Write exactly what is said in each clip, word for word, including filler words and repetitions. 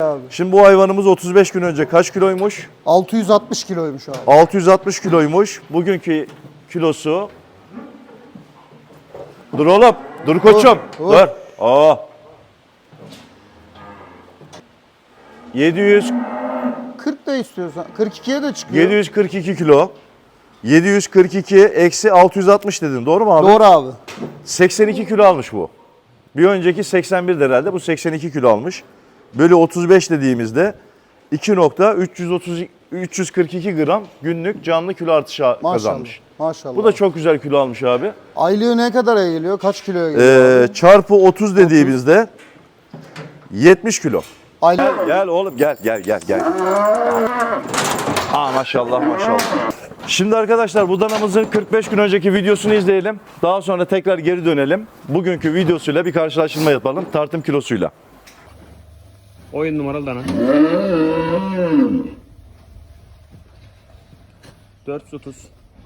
Abi. Şimdi bu hayvanımız otuz beş gün önce kaç kiloymuş? altı yüz altmış kiloymuş abi. altı yüz altmış kiloymuş. Bugünkü kilosu... Dur oğlum. Dur koçum. Dur, Dur. dur. Aa. yedi yüz, kırk da istiyorsan. kırk ikiye de çıkıyor. yedi yüz kırk iki kilo. yedi yüz kırk iki eksi altı yüz altmış dedin. Doğru mu abi? Doğru abi. seksen iki kilo almış bu. Bir önceki seksen bir herhalde. Bu seksen iki kilo almış. Bölü otuz beş dediğimizde iki nokta üç yüz kırk iki gram günlük canlı kilo artışı Maşallah. kazanmış. Maşallah. Bu da çok güzel kilo almış abi. Aylığı ne kadara geliyor? Kaç kiloya geliyor? Ee, çarpı otuz dediğimizde yetmiş kilo. Aylığı Gel oğlum gel gel gel gel. Aa maşallah maşallah. Şimdi arkadaşlar bu danamızın kırk beş gün önceki videosunu izleyelim. Daha sonra tekrar geri dönelim. Bugünkü videosuyla bir karşılaştırma yapalım tartım kilosuyla. Oyun numaralı dana. dört yüz otuz.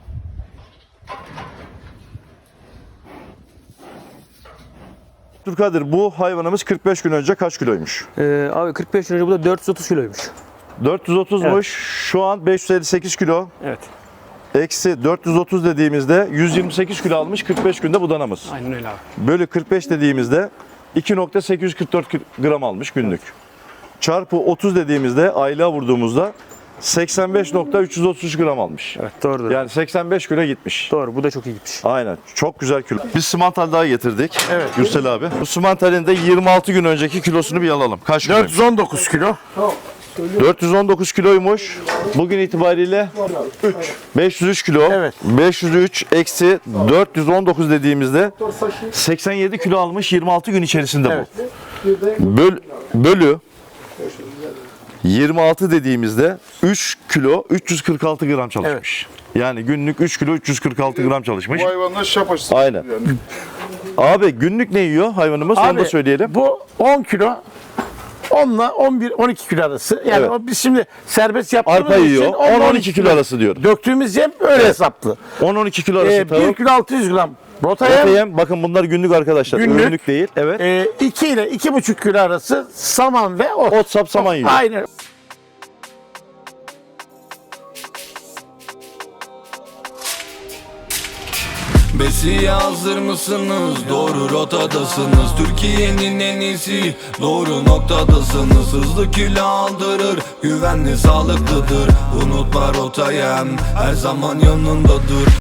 Abdülkadir bu hayvanımız kırk beş gün önce kaç kiloymuş? Ee, abi kırk beş önce bu da dört yüz otuz kiloymuş. dört yüz otuzmuş. Evet. Şu an beş yüz elli sekiz kilo. Evet. Eksi dört yüz otuz dediğimizde yüz yirmi sekiz kilo almış kırk beş günde bu danamız. Aynen öyle abi. Bölü kırk beş dediğimizde iki nokta sekiz yüz kırk dört gram almış günlük. Çarpı otuz dediğimizde aylığa vurduğumuzda seksen beş nokta üç yüz otuz üç gram almış. Evet doğrudur. Yani seksen beş kilo gitmiş. Doğru, bu da çok iyi gitmiş. Aynen. Çok güzel kilo. Biz simantal daha getirdik. Evet. Gürsel abi. Bu simantalin de yirmi altı gün önceki kilosunu bir alalım. Kaç kilo? dört yüz on dokuz kilo. dört yüz on dokuz kiloymuş. Bugün itibariyle beş yüz üç kilo. Evet. beş yüz üç eksi dört yüz on dokuz dediğimizde seksen yedi kilo almış yirmi altı gün içerisinde Evet. bu. Böl, bölü yirmi altı dediğimizde üç kilo üç yüz kırk altı gram çalışmış. Yani günlük üç kilo üç yüz kırk altı gram çalışmış. Bu hayvanlar şap açısı. Aynen. Yani. Abi günlük ne yiyor hayvanımız? Onu da söyleyelim. Bu on kilo. on ile on bir on iki kilo arası. Yani Evet. o biz şimdi serbest yaptığımız Arpa için yiyor. on on iki kilo arası diyor. Döktüğümüz yem öyle hesaplı. on on iki kilo arası Ee, bir tavuk. kilo altı yüz gram rota Orta yem. yem. Bakın bunlar günlük arkadaşlar. Günlük. Ürünlük değil. Evet. E, iki ile iki buçuk kilo arası saman ve ot. Ot sap saman yiyor. Aynen. Besiye hazır mısınız? Doğru rotadasınız. Türkiye'nin en iyisi, doğru noktadasınız. Hızlı kilo aldırır, güvenli sağlıklıdır. Unutma rotayem, her zaman yanındadır.